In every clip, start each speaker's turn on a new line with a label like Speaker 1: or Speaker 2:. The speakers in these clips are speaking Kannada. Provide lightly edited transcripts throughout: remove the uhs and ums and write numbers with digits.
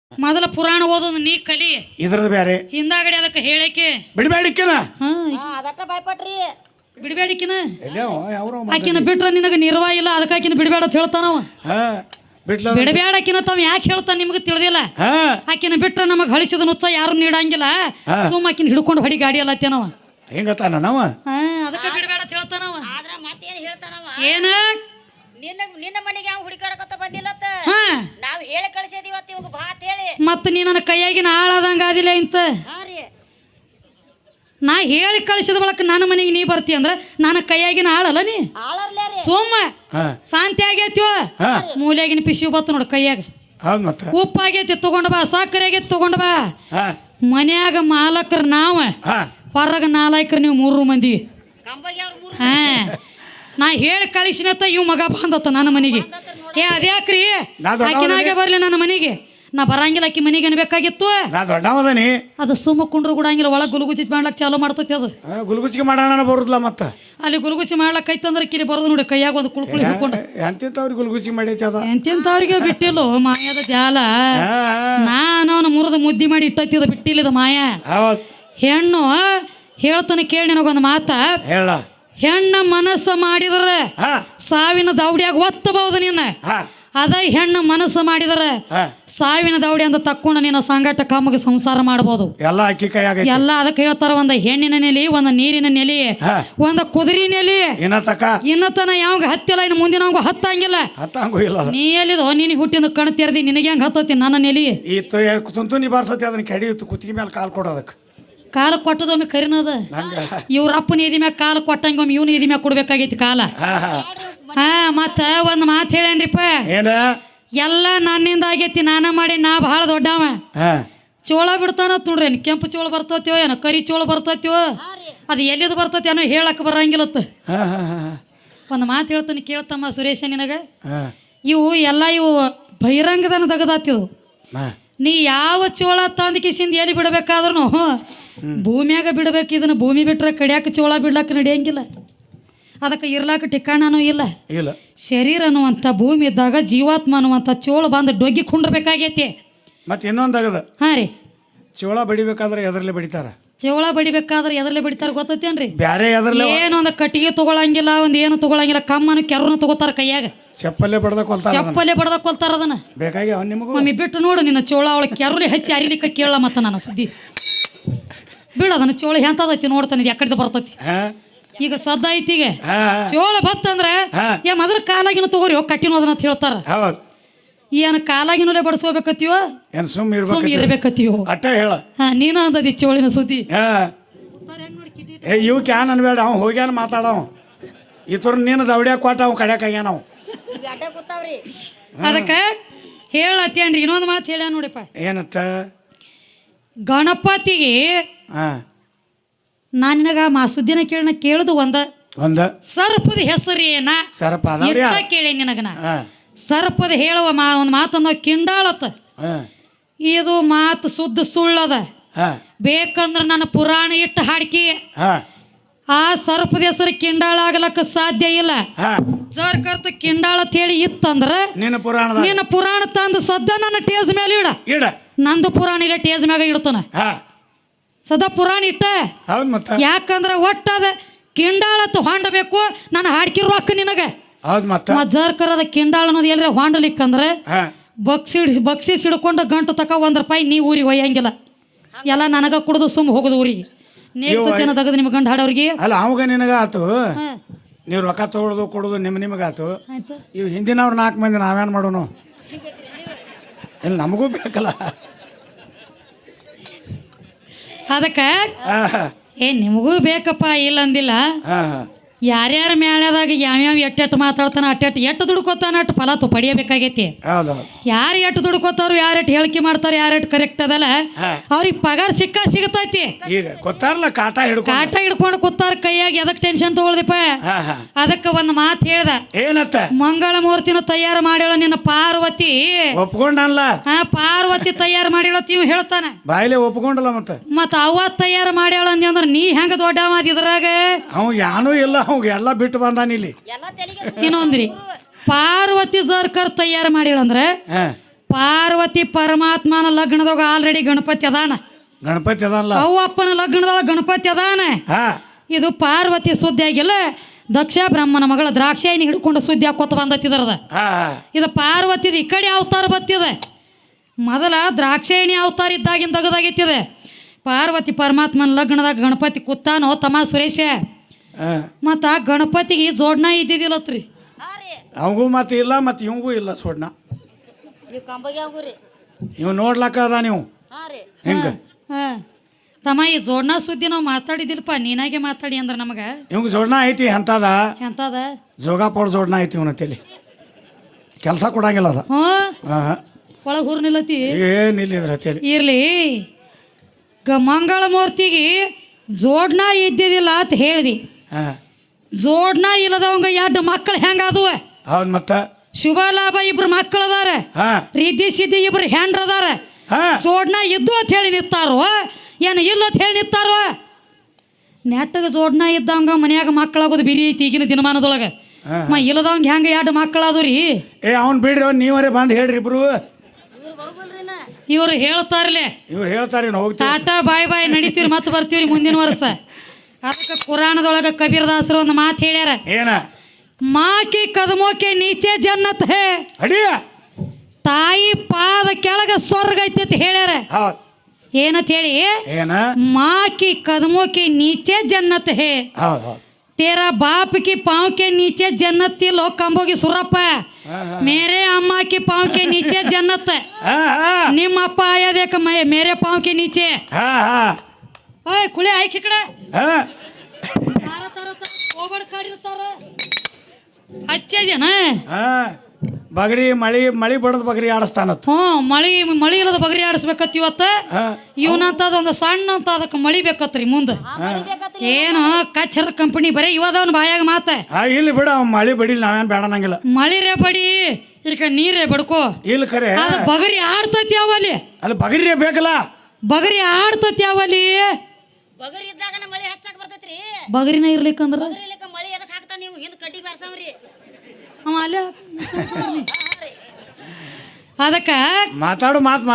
Speaker 1: ಮೊದಲ ಪುರಾಣ ಓದೋದು ನೀ ಕಲಿ,
Speaker 2: ಇದ್ರದ್ದು ಬೇರೆ
Speaker 1: ಹಿಂದಾಗಡೆ ಅದಕ್ಕೆ ಹೇಳಕ್ಕೆ
Speaker 2: ಬಿಡಬೇಡಿಕ್ಕಿನ
Speaker 3: ಅದಟ್ಟ ಭಯಪಟ್ರಿ
Speaker 1: ಬಿಡಬೇಡಿಕಿನ
Speaker 2: ಯಾವ
Speaker 1: ಆಕಿನ ಬಿಟ್ರ ನಿನಗೆ ನಿರ್ವಾ ಇಲ್ಲ, ಅದಕ್ಕೆ ಆಕಿನ ಬಿಡಬೇಡ ಅಂತ ಹೇಳ್ತಾನವ.
Speaker 2: ಬಿಡ್ಲ
Speaker 1: ಬಿಡಬೇಡಕಿನ ತಾವ್ ಯಾಕೆ ಹೇಳ್ತಾನ ನಿಮ್ಗೆ ತಿಳಿದಿಲ್ಲ. ಆಕಿನ ಬಿಟ್ರ ನಮಗ್ ಹಳಿಸಿದ ನುಚ್ಚ ಯಾರು ನೀಡಂಗಿಲ್ಲ, ಸುಮ್ಮ ಆಕಿನ ಹಿಡ್ಕೊಂಡು ಹೊಡಿ ಗಾಡಿ ಅಲ್ಲತ್ತೇನವ.
Speaker 2: ಹಿಂಗತ್ತಾನ ನಾವ
Speaker 1: ಅದಕ್ಕೆ ಬಿಡಬೇಡ ಅಂತ ಹೇಳ್ತಾನವ.
Speaker 3: ಆದ್ರ ಮತ್ತೇನ್ ಹೇಳ್ತಾನವ,
Speaker 1: ಏನ
Speaker 3: ನಿನ್ನ ಮನೆಗೆ ಯಾವ ಹುಡುಕಾಡಕತ್ತ ಬಂದಿಲ್ಲತ್ತ, ನಾವ್ ಹೇಳಿ ಕಳ್ಸಿದೀವತ್ತ ಇವಾಗ ಬಾ ಅಂತ ಹೇಳಿ.
Speaker 1: ಮತ್ತ ನೀ ನನ್ನ ಕೈಯಾಗಿನ ಆಳಾದಂಗ ಆದಿಲ್ಲ ಇಂತ. ನಾ ಹೇಳಿ ಕಳಿಸಿದ ಬಳಕ ನನ್ನ ಮನೆಗೆ ನೀ ಬರ್ತಿ ಅಂದ್ರ ನನ್ನ ಕೈಯಾಗಿನ ಆಳಲ್ಲ ನೀ. ಸೋಮ ಶಾಂತಿ ಆಗೈತಿವ, ಮೂಲೆಯಾಗಿನ ಪಿಸಿ ಬತ್ತು ನೋಡು ಕೈಯಾಗ. ಉಪ್ಪಾಗೈತಿ ತಗೊಂಡ್ ಬಾ, ಸಕ್ಕರೆ ಆಗೈತಿ ತಗೊಂಡ್ ಬಾ. ಮನ್ಯಾಗ ಮಾಲಕರು ನಾವ, ಹೊರಗ ನಾಲ್ಕರು ನೀವು 3 ಮಂದಿ. ನಾ ಹೇಳಿ ಕಳಿಸಿನತ್ತ ಇವ್ ಮಗ ಬಂದತ್ತ ನನ್ನ ಮನೆಗೆ. ಅದ್ಯಾಕ್ರಿ ಆಕಿನಾಗೆ ಬರ್ಲಿ ನನ್ನ ಮನೆಗೆ, ನಾ ಬರಂಗಿಲ್ಲ ಆಕಿ ಮನೆಗೆ ಅನ್ಬೇಕಾಗಿತ್ತು. ಅದು ಸುಮ್ಮ ಕುಂಡ್ರು ಕೂಡಂಗಿಲ್ಲ, ಒಳಗೆ ಗುಲ್ಗುಚಿ ಮಾಡ್ಲಕ್ ಚಾಲು ಮಾಡ್ತತಿ. ಅದು
Speaker 2: ಗುಲ್ಗುಚಿಗೆ ಮಾಡೋಣ ಬರುದಿಲ್ಲ. ಮತ್ತ
Speaker 1: ಅಲ್ಲಿ ಗುಲ್ಗುಚಿ ಮಾಡ್ಲಕ್ ಐತಂದ್ರೆ ಕಿಲಿ ಬರೋದು ನೋಡಿ ಕೈಯಾಗ ಒಂದು ಕುಳ್ಕುಳಿ ಹಿಡ್ಕೊಂಡು.
Speaker 2: ಎಂತೆಂತವ್ರಿಗೆ ಗುಲ್ಗುಚಿ ಮಾಡೈತಿ ಅದ,
Speaker 1: ಎಂತೆಂತವ್ರಿಗೆ ಬಿಟ್ಟಿಲ್ಲ ಮಾಯದ ಜಾಲ. ನಾನು ಅವನ ಮುರಿದ ಮುದ್ದಿ ಮಾಡಿ ಇಟ್ಟತ್ತಿದ ಬಿಟ್ಟಿಲ್ಲದ ಮಾಯ. ಹೆಣ್ಣು ಹೇಳ್ತಾನೆ ಕೇಳಿ ನನಗೊಂದು ಮಾತ, ಹೆಣ್ಣ ಮನಸ್ಸು ಮಾಡಿದ್ರೆ ಸಾವಿನ ದೌಡಿಯಾಗ ಒತ್ತಬಹುದು ನಿನ್ನ. ಅದ ಹೆಣ್ಣ ಮನಸ್ಸು ಮಾಡಿದರೆ ಸಾವಿನ ದೌಡಿ ಅಂತ ತಕ್ಕೊಂಡು ನಿನ್ನ ಸಂಗಟ ಕಮ್ಮಗೆ ಸಂಸಾರ ಮಾಡಬಹುದು. ಎಲ್ಲ ಅದಕ್ಕೆ ಹೇಳ್ತಾರ, ಒಂದು ಹೆಣ್ಣಿನ ನೆಲೆ, ಒಂದು ನೀರಿನ ನೆಲೆ, ಒಂದು ಕುದುರೆ ನೆಲೆ. ಇನ್ನತನ ಯಾವಾಗ ಹತ್ತಿಲ್ಲ, ಇನ್ನು ಮುಂದಿನ ಹತ್ತಂಗಿಲ್ಲ. ನೀ ಎಲ್ಲಿದೋ ನೀನು ಹುಟ್ಟಿಂದ ಕಣ್ ತೆರೆದಿ, ನಿನಗೆ ಹೆಂಗ್ ಹತ್ತತಿ ನನ್ನ ನೆಲೆ.
Speaker 2: ಕುತ್ತಿಗೆ ಮೇಲೆ ಕಾಲ್ ಕೊಡೋದಕ್ಕೆ
Speaker 1: ಕಾಲ ಕೊಟ್ಟದೊಮ್ಮೆ ಕರಿನದ. ಇವ್ರ ಅಪ್ಪನ ಎದಿ ಮ್ಯಾಗ ಕಾಲ ಕೊಟ್ಟಂಗೊಮ್ಮೆ ಇವನು ಎದಿ ಮ್ಯಾಗ ಕೊಡ್ಬೇಕಾಗೈತಿ ಕಾಲ. ಮತ್ತ ಒಂದ್ ಮಾತು ಹೇಳೇನ್ರಿಪ್ಪ, ಎಲ್ಲ ನನ್ನಿಂದ ಆಗೈತಿ, ನಾನ ಮಾಡಿ, ನಾ ಬಹಳ ದೊಡ್ಡವ. ಚೋಳ ಬಿಡ್ತಾನ ನೋಡ್ರಿ, ಕೆಂಪು ಚೋಳ ಬರ್ತೈತಿವೋ ಏನೋ, ಕರಿ ಚೋಳ ಬರ್ತೈತಿವೋ, ಅದು ಎಲ್ಲಿದು ಬರ್ತೈತಿ ಏನೋ ಹೇಳಕ್ ಬರಂಗಿಲ್ಲತ್ತ. ಒಂದು ಮಾತು ಹೇಳ್ತಾನೆ ಕೇಳ್ತಮ್ಮ ಸುರೇಶ, ನಿನಗ ಇವು ಎಲ್ಲ ಇವು ಬಹಿರಂಗದನ ತೆಗದಾತಿವು. ನೀ ಯಾವ ಚೋಳ ತಂದ ಕಿಸಿಂದ ಎಲ್ಲಿ ಬಿಡಬೇಕಾದ್ರೂ ಭೂಮಿಯಾಗ ಬಿಡ್ಬೇಕು. ಇದನ್ನ ಭೂಮಿ ಬಿಟ್ರೆ ಕಡಿಯಾಕ ಚೋಳ ಬಿಡ್ಲಾಕ ನಡೆಯಂಗಿಲ್ಲ, ಅದಕ್ಕೆ ಇರ್ಲಾಕ ಠಿಕಾಣನೂ ಇಲ್ಲ. ಶರೀರ ಅನ್ನುವಂಥ ಭೂಮಿ ಇದ್ದಾಗ ಜೀವಾತ್ಮ ಅನ್ನುವಂಥ ಚೋಳ ಬಂದು ಡೊಗ್ಗಿ ಕುಂಡ್ರಬೇಕಾಗೈತಿ.
Speaker 2: ಮತ್ತೆ ಇನ್ನೊಂದಾಗದ
Speaker 1: ರೀ,
Speaker 2: ಚೋಳ ಬಡಿಬೇಕಾದ್ರೆ ಎದರ್ಲೆ ಬಡಿತಾರ.
Speaker 1: ಚೋಳ ಬಡಿಬೇಕಾದ್ರೆ ಎದರ್ಲೆ ಬಡಿತಾರ ಗೊತ್ತೇನ್ರಿ?
Speaker 2: ಬ್ಯಾರೆ
Speaker 1: ಏನೊಂದು ಕಟ್ಟಿಗೆ ತಗೊಳಂಗಿಲ್ಲ, ಒಂದು ಏನು ತಗೊಳಂಗಿಲ್ಲ, ಕಮ್ಮನು ಕೆರನು ತಗೋತಾರ ಕೈಯಾಗ.
Speaker 2: ಚಪ್ಪಲ್ಲೇ ಬಡ್ದ
Speaker 1: ಕೊಲ್ತಾರ ಅದನ್ನ.
Speaker 2: ಬೇಕಾಗಿ
Speaker 1: ಮಮ್ಮಿ ಬಿಟ್ಟು ನೋಡು ನಿನ್ನ ಚೋಳ, ಅವಳ ಕೆರಲಿ ಹೆಚ್ಚಿ ಅರಿಲಿಕ್ಕ ಕೇಳ. ಮತ್ತ ನನ್ನ ಸುದ್ದಿ ಬಿಡ, ಅದನ್ನ ಚೋಳ ಎಂತದೈತಿ ನೋಡ್ತಾನೆ, ಯಾಕಡೆ ಬರ್ತೈತಿ. ಈಗ ಸದ್ದ ಐತಿ, ಈಗ ಚೋಳ ಬತ್ತಂದ್ರೆ ಮೊದಲ ಕಾಲಾಗಿನ ತಗೋರಿ ಕಟ್ಟಿನ ಅದನ್ನ ಹೇಳ್ತಾರ. ಏನ್ ಕಾಲಾಗಿನೂಲೆ ಬಡಿಸ್ಕೋಬೇಕತ್ತೀವ, ಸುಮ್ ಇರ್ಬೇಕತ್ತೀವ. ನೀನ ಅಂದದಿ ಚೋಳಿನ ಸುದ್ದಿ.
Speaker 2: ಇವ್ ಕ್ಯಾನ್ ಅನ್ಬೇಡ, ಅವ್ ಹೋಗ್ಯಾನ ಮಾತಾಡವ. ಇತರ ನೀನು ದೌಡ್ಯಾಕ ಕೊಟ್ಟ ಅವ್ ಕಡ್ಯಾಕ ಆಗ್ಯಾನ. ಅವ್
Speaker 1: ಅದಕ್ಕ ಹೇಳತ್ತೇನ್ರಿ, ಇನ್ನೊಂದು ಮಾತು ಹೇಳ ನೋಡಿಪ್ಪ.
Speaker 2: ಏನತ್ತ?
Speaker 1: ಗಣಪತಿಗೆ ನಾನು ನಿನಗ ಸುದ್ದಿನ ಕೇಳುದು ಒಂದ ಸರ್ಪದ ಹೆಸರು ಏನ ಕೇಳಿ ನಿನಗ. ಸರ್ಪದ ಹೇಳುವ ಒಂದು ಮಾತಂದ ಕಿಂಡಾಳತ್ತ. ಇದು ಮಾತು ಶುದ್ಧ ಸುಳ್ಳದ. ಬೇಕಂದ್ರ ನನ್ನ ಪುರಾಣ ಇಟ್ಟು ಹಾಡ್ಕಿ ಆ ಸರ್ಪದ ಹೆಸರು ಕಿಂಡಾಳ ಆಗ್ಲಕ್ಕ ಸಾಧ್ಯ ಇಲ್ಲ. ಸರ್ಕರ್ತ ಕಿಂಡಾಳ ಅಂತ ಹೇಳಿ ಇತ್ತಂದ್ರ ನಿನ್ನ ಪುರಾಣ ತಂದು ಸದ್ದ ನನ್ನ ಟೇಜ್ ಮೇಲೆ ಇಡ. ನಂದು ಪುರಾಣ ಇಲ್ಲ ಟೇಜ್ ಮ್ಯಾಗ ಇಡ್ತಾನ. ಸದಾ ಪುರಾಣ ಇಟ್ಟ. ಯಾಕಂದ್ರ ಒಟ್ಟದ ಕಿಂಡಾಳತ್ ಹೊಂಡಬೇಕು, ನಾನು ಹಾಡ್ಕಿ ರೊಕ್ಕ ನಿನಗ. ಜರ್ಕರದ ಕಿಂಡಾಳ ಅನ್ನೋದು ಎಲ್ಲರ ಹೊಂಡಲಿಕ್ಕಂದ್ರೆ ಬಕ್ಸಿ ಸಿಡ್ಕೊಂಡು ಗಂಟು ತಕ ₹1 ನೀ ಊರಿಗೆ ಒಯ್ಯಂಗಿಲ್ಲ. ಎಲ್ಲ ನನಗ ಕುಡ್ದು ಸುಮ್ ಹೋಗುದು ಊರಿಗೆ. ನೇಗ್ತೇನ ತಗದು ನಿಮ್ ಗಂಡ ಹಾಡೋರಿಗೆ
Speaker 2: ಅಲ್ಲ, ಅವಾಗ ನಿನಗ ಆತು. ನೀವು ರೊಕ್ಕ ತಗೊಳ್ಳೋದು ಕೊಡೋದು ನಿಮಗಾತು. ಇವ್ ಹಿಂದಿನವ್ರು 4 ಮಂದಿ ನಾವೇನ್ ಮಾಡೋನು? ಇಲ್ಲಿ ನಮಗೂ ಬೇಕಲ್ಲ.
Speaker 1: ಅದಕ್ಕ ನಿಮಗೂ ಬೇಕಪ್ಪ, ಇಲ್ಲ ಅಂದಿಲ್ಲ. ಯಾರ್ಯಾರ ಮ್ಯಾಳದಾಗ ಯಾವ್ಯಾವ ಎಟ್ಟೆಟ್ಟು ಮಾತಾಡ್ತಾನ, ಎಟ್ಟು ದುಡ್ಕೋತಾನ, ಅಟ್ಟು ಫಲ ಪಡಿಯಬೇಕಾಗೈತಿ. ಯಾರು ಎಟ್ಟು ದುಡ್ಕೋತಾರು, ಯಾರೆಟ್ಟು ಹೇಳಿಕೆ ಮಾಡ್ತಾರ, ಯಾರೆಟ್ಟು ಕರೆಕ್ಟ್ ಅದಲ್ಲ, ಅವ್ರಿಗೆ ಪಗಾರ ಸಿಗತೈತಿ. ಕಾಟ ಹಿಡ್ಕೊಂಡು ಕೂತಾರ ಕೈಯಾಗ. ಎದಕ್ ಟೆನ್ಷನ್ ತಗೊಳ್ದಿಪ್ಪ? ಅದಕ್ಕ ಒಂದು ಮಾತು ಹೇಳ್ದ,
Speaker 2: ಏನತ್ತ?
Speaker 1: ಮಂಗಳ ಮೂರ್ತಿನ ತಯಾರು ಮಾಡ್ಯಾಳ ನಿನ್ನ ಪಾರ್ವತಿ.
Speaker 2: ಒಪ್ಕೊಂಡಲ್ಲ?
Speaker 1: ಪಾರ್ವತಿ ತಯಾರು ಮಾಡ್ಯಾಳ ಇವ್ ಹೇಳ್ತಾನ.
Speaker 2: ಬಾಯಿಲೆ ಒಪ್ಕೊಂಡಲ್ಲ.
Speaker 1: ಮತ್ತ ಅವ ತಯಾರು ಮಾಡ್ಯಾಳ ಅಂದ್ರ ನೀ ಹೆಂಗ ದೊಡ್ಡವ ಇದ್ರಾಗ?
Speaker 2: ಅವ್ ಯಾನೂ ಇಲ್ಲ, ಅವ್ ಎಲ್ಲ ಬಿಟ್ಟು ಬಂದಾನ ಇಲ್ಲಿ.
Speaker 1: ಇನ್ನೊಂದ್ರಿ, ಪಾರ್ವತಿ ಸರ್ಕರ್ ತಯಾರು ಮಾಡ್ಯಾಳಂದ್ರ ಪಾರ್ವತಿ ಪರಮಾತ್ಮನ ಲಗ್ನದಾಗ ಆಲ್ರೆಡಿ ಗಣಪತಿ ಅದಾನ.
Speaker 2: ಗಣಪತಿ ಅದಲ್ಲ,
Speaker 1: ಅವು ಅಪ್ಪನ ಲಗ್ನದೊಳಗೆ ಗಣಪತಿ ಅದಾನ. ಇದು ಪಾರ್ವತಿ ಸುದ್ದಿ ಆಗಿಲ್ಲ, ದಕ್ಷ ಬ್ರಹ್ಮನ ಮಗಳ ದ್ರಾಕ್ಷಾಯಿನಿ ಹಿಡ್ಕೊಂಡು ಸುದ್ದಿ ಹಾಕೋತ ಬಂದತ್ತಿದ್ರದ. ಇದು ಪಾರ್ವತಿದ ಈ ಕಡೆ ಅವತಾರ ಬತ್ತಿದೆ. ಮೊದಲ ದ್ರಾಕ್ಷಾಯಿಣಿ ಅವತಾರ ಇದ್ದಾಗಿನ ತೆಗೆದಾಗಿತ್ತಿದೆ. ಪಾರ್ವತಿ ಪರಮಾತ್ಮನ ಲಗ್ನದಾಗ ಗಣಪತಿ ಕೂತಾನೋ ತಮ್ಮ ಸುರೇಶ. ಮತ್ತು ಆ ಗಣಪತಿಗೆ ಜೋಡ್ನ ಇದ್ದಿದ್ದಿಲ್ಲತ್ರಿ.
Speaker 2: ಅವಂಗೂ ಮತ್ತೆ ಇಲ್ಲ, ಮತ್ತು ಇವಂಗೂ ಇಲ್ಲ ಸೋಡ್ನ. ಇವ್ ನೋಡ್ಲಕ್ಕ ಅದ ನೀವು ಹೆಂಗ
Speaker 1: ತಮ್ಮ ಈ ಜೋಡ್ನ ಸುದ್ದಿ ನಾವು ಮಾತಾಡಿದಿಲ್ಲಪ್ಪ, ನೀನಾಗೆ ಮಾತಾಡಿ ಅಂದ್ರೆ ನಮಗೆ.
Speaker 2: ಇವಂಗ ಜೋಡ್ನ ಐತಿ ಎಂತದ
Speaker 1: ಎಂತದ
Speaker 2: ಜೋಗಾಪೋಡ್ ಜೋಡ್ನ ಐತಿ ಇವನ ತಲೆ, ಕೆಲಸ ಕೊಡಂಗಿಲ್ಲ ಅದ.
Speaker 1: ಒಳಗೆ ಹುರ್ ನಿಲ್ಲತಿ
Speaker 2: ಏನಿಲ್ಲ ತಲೆ
Speaker 1: ಇರ್ಲಿ. ಮಂಗಳ ಮೂರ್ತಿಗೆ ಜೋಡ್ನ ಇದ್ದಿದ್ದಿಲ್ಲ ಅಂತ ಹೇಳ್ದಿ. ಜೋಡ್ನ ಇಲ್ಲದವಂಗ 2 ಮಕ್ಕಳು ಹೆಂಗಾದುವ?
Speaker 2: ಹೌದು, ಮತ್ತ
Speaker 1: ಶುಭ ಲಾಭ 2 ಮಕ್ಕಳು ಅದಾರ, ರಿದ್ದಿ ಸಿದ್ದಿ 2 ಹೆಂಡ್ರ ಅದಾರ. ಜೋಡ್ನ ಇದ್ದು ಅಂತ ಹೇಳಿ ನಿಂತಾರೋ ಏನು ಇಲ್ಲ ಅಂತ ಹೇಳಿ ನಿಂತಾರೋ? ನೆಟ್ಟಗೆ ಜೋಡ್ನ ಇದ್ದಂಗ ಮನ್ಯಾಗ ಮಕ್ಕಳಾಗೋದು ಬಿರಿ ಐತಿ ಈಗಿನ ದಿನಮಾನದೊಳಗೆ. ಇಲ್ಲದವಂಗ ಹೆಂಗ 2 ಮಕ್ಕಳಾದು ರೀ?
Speaker 2: ಅವ್ನು ಬಿಡ್ರಿ, ನೀವರೇ ಬಂದು ಹೇಳ್ರಿ ಇಬ್ರು.
Speaker 1: ಇವರು ಹೇಳ್ತಾರಲ್ಲೇ,
Speaker 2: ಇವ್ರು ಹೇಳ್ತಾರೆ
Speaker 1: ಟಾಟಾ ಬಾಯ್ ಬಾಯ್ ನಡಿತೀವಿ ಮತ್ತೆ ಬರ್ತೀವ್ರಿ ಮುಂದಿನ ವರ್ಷ. ಅದಕ್ಕೆ ಕುರಾಣದೊಳಗೆ ಕಬೀರದಾಸರು ಒಂದು ಮಾತು ಹೇಳ್ಯಾರ,
Speaker 2: ಏನ?
Speaker 1: ಮಾಕಿ ಕದಮೋಕೆ ನೀಚೆ ಜನ್ನತ್ ಹೇ, ತಾಯಿ ಪಾದ ಕೆಳಗ ಸ್ವರ್ಗ ಐತಿ ಅಂತ ಹೇಳ್ಯಾರ. ಏನಂತ ಹೇಳಿ? ಮಾಕಿ ಕದಮೋಕೆ ನೀಚೆ ಜನ್ನತ್ ಹೇ, तेरा बाप की पाँव के नीचे जन्नत थी, लोग कंबोगी सुरप्प मेरे अम्मा की पाँव के नीचे जन्नत है. निम अप्पा आया देख मेरे पाँव के नीचे. ओए कुले आई खिकड़े तारा तारा तारा ओबड़ काड़ी तारा अच्छे जन
Speaker 2: ಬಗರಿ ಮಳಿ ಬಡದ ಬಗರಿ ಆಡಿಸ್ತಾನ.
Speaker 1: ಮಳಿ ಇಲ್ಲದ ಬಗರಿ ಆಡಿಸ್ಬೇಕತ್ ಇವತ್ತ. ಇವನಂತದ ಒಂದು ಸಣ್ಣ ಅಂತ ಅದಕ್ಕೆ ಮಳಿ ಬೇಕತ್ರಿ ಮುಂದೆ. ಏನು ಕಚ್ಚರ ಕಂಪನಿ ಬರೀ ಇವದವನ್ ಬಾಯಾಗ ಮಾತ.
Speaker 2: ಇಲ್ಲಿ ಬಿಡ, ಮಳಿ ಬಡಿಲ್ ನಾವೇನ್ ಬೇಡ ನಂಗಿಲ್ಲ.
Speaker 1: ಮಳಿರೇ ಬಡಿ, ಇದಕ್ಕೆ ನೀರೇ ಬಡ್ಕೋ.
Speaker 2: ಇಲ್ಲ ಖರೆ
Speaker 1: ಅದು ಬಗರಿ ಆಡ್ತತಿ ಯಾವಲ್ಲಿ?
Speaker 2: ಅಲ್ಲಿ ಬಗರಿ ಬೇಕಲ್ಲ,
Speaker 1: ಬಗರಿ ಆಡ್ತತಿ ಯಾವಲ್ಲಿ?
Speaker 3: ಬಗರಿ ಇದ್ದಾಗ ಮಳಿ ಹಚ್ಚಾಕ ಬರ್ತೈತ್ರಿ.
Speaker 1: ಬಗರಿನ ಇರ್ಲಿಕ್ಕಂದ್ರ
Speaker 3: ಮಳಿ ಎದಕ್ ಹಾಕ್ತಾ ನೀವು ಹಿಂದ್ ಕಡ್ಡಿ ಬಾರ್ಸವ್ರಿ.
Speaker 1: ಅದಕ್ಕ
Speaker 2: ಮಾತಾಡು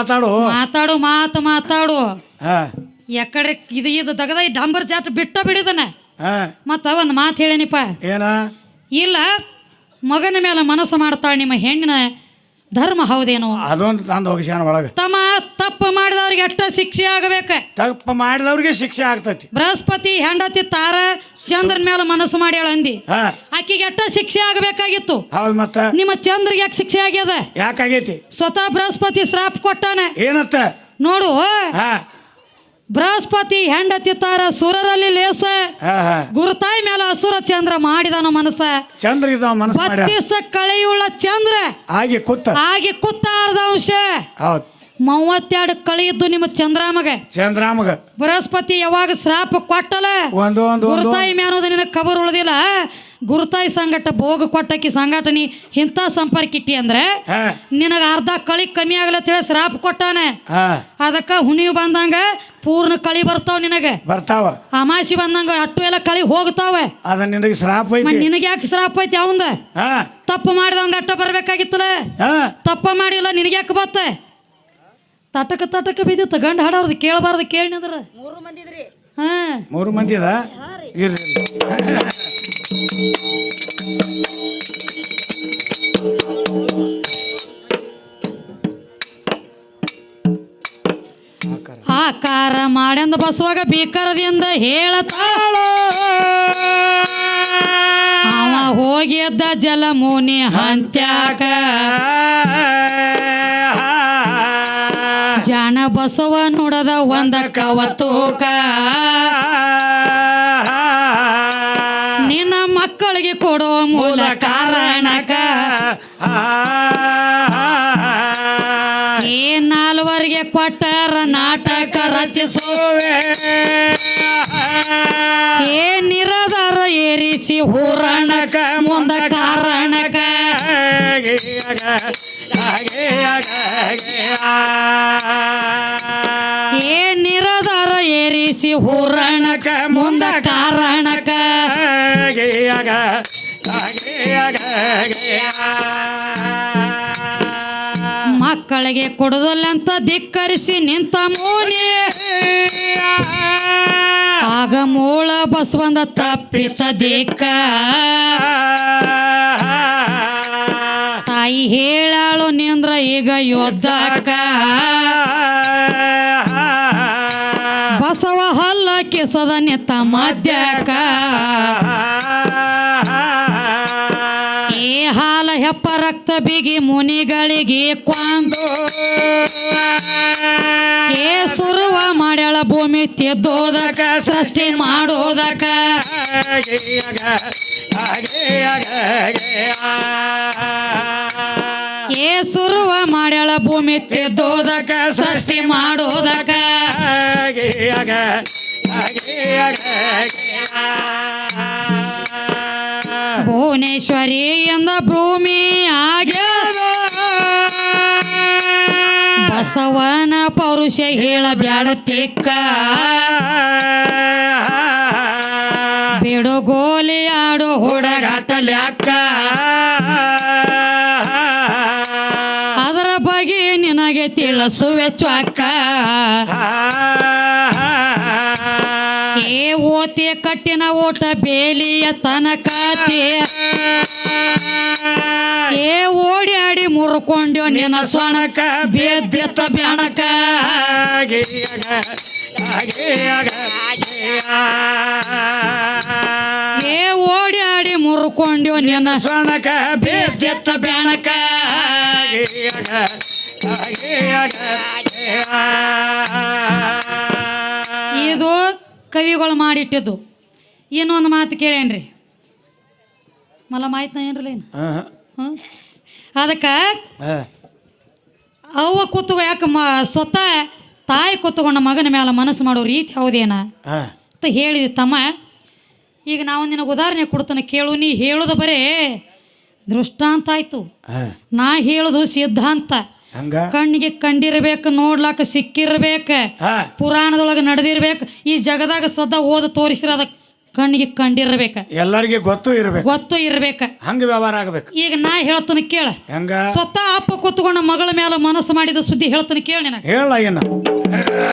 Speaker 1: ಮಾತಾಡು ಎಕಡೆ ಇದು ದಗದ ಡಾಂಬರ್ ಜಾಟ್ ಬಿಟ್ಟ ಬಿಡಿದನ. ಮತ್ತ ಒಂದು ಮಾತು ಹೇಳೇನಿಪ್ಪ,
Speaker 2: ಏನ?
Speaker 1: ಇಲ್ಲ ಮಗನ ಮೇಲೆ ಮನಸ್ಸು ಮಾಡ್ತಾಳೆ ನಿಮ್ಮ ಹೆಣ್ಣಿನ ಧರ್ಮ ಹೌದೇನೋ?
Speaker 2: ಅದೊಂದು ತಂದು ಹೋಗಿಸ್ಯಾನ ಒಳಗೆ.
Speaker 1: ತಮ್ಮ ತಪ್ಪು ಮಾಡಿದವ್ರಿಗೆ ಎಷ್ಟ ಶಿಕ್ಷೆ ಆಗಬೇಕ?
Speaker 2: ತಪ್ಪು ಮಾಡಿದವ್ರಿಗೆ ಶಿಕ್ಷೆ ಆಗ್ತೈತಿ.
Speaker 1: ಬೃಹಸ್ಪತಿ ಹೆಂಡತಿ ತಾರ ಚಂದ್ರನ ಮೇಲೆ ಮನಸ್ಸು ಮಾಡ್ಯಾಳ ಅಂದಿ, ಆಕಿಗೆ ಎಷ್ಟ ಶಿಕ್ಷೆ ಆಗಬೇಕಾಗಿತ್ತು?
Speaker 2: ಹೌದು, ಮತ್ತ
Speaker 1: ನಿಮ್ಮ ಚಂದ್ರಿಗೆ ಯಾಕೆ ಶಿಕ್ಷೆ ಆಗ್ಯದ?
Speaker 2: ಯಾಕಾಗೈತಿ?
Speaker 1: ಸ್ವತಃ ಬೃಹಸ್ಪತಿ ಶ್ರಾಪ್ ಕೊಟ್ಟಾನ.
Speaker 2: ಏನತ್ತ ನೋಡು,
Speaker 1: ಬೃಹಸ್ಪತಿ ಹೆಂಡತಿ ತಾರ ಸುರರಲ್ಲಿ ಲೇಸ, ಗುರುತಾಯಿ ಮೇಲೆ ಅಸುರ ಚಂದ್ರ ಮಾಡಿದಾನ ಮನಸ್ಸ.
Speaker 2: ಚಂದ್ರ ಬತ್ತಿಸ
Speaker 1: ಕಳೆಯುಳ್ಳ ಚಂದ್ರ
Speaker 2: ಆಗಿ
Speaker 1: ಕುತ್ತ ಅರ್ಧ ಅಂಶ. 32 ಕಳೆಯಿದ್ದು ನಿಮ್ಮ ಚಂದ್ರಾಮಗ. ಬೃಹಸ್ಪತಿ ಯಾವಾಗ ಶ್ರಾಪ ಕೊಟ್ಟಲ ಗುರುತಾಯಿ ಮ್ಯಾನೋದ ನಿನಗೆ ಕಬರ್ ಉಳ್ದಿಲ್ಲ. ಗುರುತಾಯಿ ಸಂಗಟ ಭೋಗ ಕೊಟ್ಟಕಿ ಸಂಗಟ ನೀ ಇಂಥ ಸಂಪರ್ಕ ಇಟ್ಟಿ ಅಂದ್ರೆ ನಿನಗೆ ಅರ್ಧ ಕಳಿ ಕಮ್ಮಿ ಆಗಲ್ಲ ತಿಳಿ ಶ್ರಾಪ ಕೊಟ್ಟಾನ. ಅದಕ್ಕ ಹುಣಿವು ಬಂದಂಗ ಪೂರ್ಣ ಕಳಿ ಬರ್ತಾವ, ನಿನಗೆ ಬರ್ತಾವ. ಅಮಾಸಿ ಬಂದಂಗ ಅಟ್ಟು ಎಲ್ಲ ಕಳಿ ಹೋಗ್ತಾವ. ನಿನಗೆ ಯಾಕೆ ಶ್ರಾಪ ಐತಿ? ಅವಂದ ತಪ್ಪು ಮಾಡಿದವಂಗ ಅಟ್ಟ ಬರ್ಬೇಕಾಗಿತ್ತಲ್ಲ, ತಪ್ಪ ಮಾಡಿಲ್ಲ, ನಿನಗೆ ಯಾಕೆ ಬತ್ತ? ತಟಕ ಬಿದ್ದಿತ್ತು. ಗಂಡ ಹಾಡೋರ್ದು ಕೇಳಬಾರ್ದು ಕೇಳಿದ್ರ
Speaker 3: 3 ಮಂದಿ ಇದ್ರಿ.
Speaker 2: 3 ಮಂದಿ ಅದ ಇರ್ರಿ.
Speaker 1: ಆಕಾರ ಮಾಡ್ಯಂದ ಬಸವಾಗ ಬೀಕರದಿಂದ ಹೇಳತಾಳ, ಅವ ಹೋಗಿದ್ದ ಜಲಮೂನಿ ಹಂತ್ಯಾಕ. ಜಾಣ ಬಸವ ನುಡದ ಒಂದ ಕವತೂಕ, ನಿನ್ನ ಮಕ್ಕಳಿಗೆ ಕೊಡೋ ಮೂಲ ಕಾರಣಕ. ಏ 4ವರೆಗೆ ಕೊಟ್ಟರ ನಾಟಕ ರಚಿಸುವೆ, ಏ ನಿರದರ ಏರಿಸಿ ಹೂರಣಕ ಮುಂದ ಕಾರಣಕ. ಏ ನಿರದರ ಏರಿಸಿ ಹೂರಣಕ ಮುಂದ ಕಾರಣಕ. ಮಕ್ಕಳ ಮಕ್ಕಳಿಗೆ ಕೊಡುದಲ್ಲಂತ ಧಿಕ್ಕರಿಸಿ ನಿಂತ ಮೋನಿ ಆಗ ಮೂಳ ಬಸವಂದ ತಪ್ಪಿತ ದಿಕ್ಕ ತಾಯಿ ಹೇಳಾಳು ನಿಂದ್ರ ಈಗ ಯೋಧಕ ಬಸವ ಹಲ್ಲ ಕಿಸದ ನಿತ್ತ ಮದ್ಯಕ ಏ ಹಾಲ ಹೆಪ್ಪ ರಕ್ತ ಬಿಗಿ ಮುನಿಗಳಿಗೆ ಕೊಂದು ಏ ಸುರುವ ಮಾಡ್ಯಾಳ ಭೂಮಿ ತಿದ್ದೋದಕ ಸೃಷ್ಟಿ ಮಾಡೋದಕ ಏ ಸುರುವ ಮಾಡ್ಯಾಳ ಭೂಮಿ ತಿದ್ದೋದಕ ಸೃಷ್ಟಿ ಮಾಡೋದಕ ಭುವನೇಶ್ವರಿ ಎಂದ ಭೂಮಿ ಆಗ್ಯದ ಬಸವನ ಪೌರುಷ ಹೇಳ ಬ್ಯಾಡ ತಿಕ್ಕ ಬಿಡುಗೋಲಿ ಆಡು ಹುಡುಗಾಟಲ್ಯಾಕ ಅದರ ಬಗ್ಗೆ ನಿನಗೆ ತಿಳಿಸುವೆ ಚ್ವಾಕ ಏ ಓತಿ ಕಟ್ಟಿನ ಓಟ ಬೇಲಿಯ ತನಕತಿ ಏ ಓಡಿ ಆಡಿ ಮುರ್ಕೊಂಡ್ಯೋ ನಿನ್ನ ಸೊಣಕ ಬೇದ್ಯತ ಬ್ಯಾಣಕ ಏ ಓಡಿ ಆಡಿ ಮುರ್ಕೊಂಡ್ಯೋ ನಿನ್ನ ಸೊಣಕ ಬೇದ್ಯತ ಬ್ಯಾಣಕ ಇದು ಕವಿಗಳು ಮಾಡಿಟ್ಟಿದ್ದು. ಇನ್ನೊಂದು ಮಾತು ಕೇಳೇನ್ರಿ ಮಲ್ಲ ಮಾಹಿತಿ ಏನ್ರಲ್ಲ ಏನು ಅದಕ್ಕೆ ಅವ್ವ ಕೂತ್ಕೊ ಯಾಕೆ ಸ್ವತಃ ತಾಯಿ ಕೂತ್ಕೊಂಡ ಮಗನ ಮೇಲೆ ಮನಸ್ಸು ಮಾಡೋ ರೀತಿ ಹೌದೇನ ಅಂತ ಹೇಳಿದೆ ತಮ್ಮ. ಈಗ ನಾವು ನಿನಗೆ ಉದಾಹರಣೆ ಕೊಡ್ತಾನೆ ಕೇಳು. ನೀ ಹೇಳೋದು ಬರೇ ದೃಷ್ಟಾಂತ ಆಯ್ತು, ನಾ ಹೇಳೋದು ಸಿದ್ಧಾಂತ. ಕಣ್ಣಿಗೆ ಕಂಡಿರ್ಬೇಕು, ನೋಡ್ಲಾಕ ಸಿಕ್ಕಿರ್ಬೇಕ, ಪುರಾಣದೊಳಗೆ ನಡೆದಿರ್ಬೇಕು, ಈ ಜಗದಾಗ ಸದಾ ಓದ ತೋರಿಸಿರ ಅದ ಕಣ್ಣಿಗೆ ಕಂಡಿರ್ಬೇಕ,
Speaker 2: ಎಲ್ಲರಿಗೆ ಗೊತ್ತು
Speaker 1: ಇರ್ಬೇಕ,
Speaker 2: ಹಂಗ ವ್ಯವಹಾರ ಆಗ್ಬೇಕು.
Speaker 1: ಈಗ ನಾ ಹೇಳ್ತಾನೆ ಕೇಳ. ಸ್ವತಃ ಅಪ್ಪ ಕೂತ್ಕೊಂಡ ಮಗಳ ಮೇಲೆ ಮನಸ್ಸು ಮಾಡಿದ ಸುದ್ದಿ ಹೇಳ್ತಾನೆ ಕೇಳ.
Speaker 2: ಹೇಳ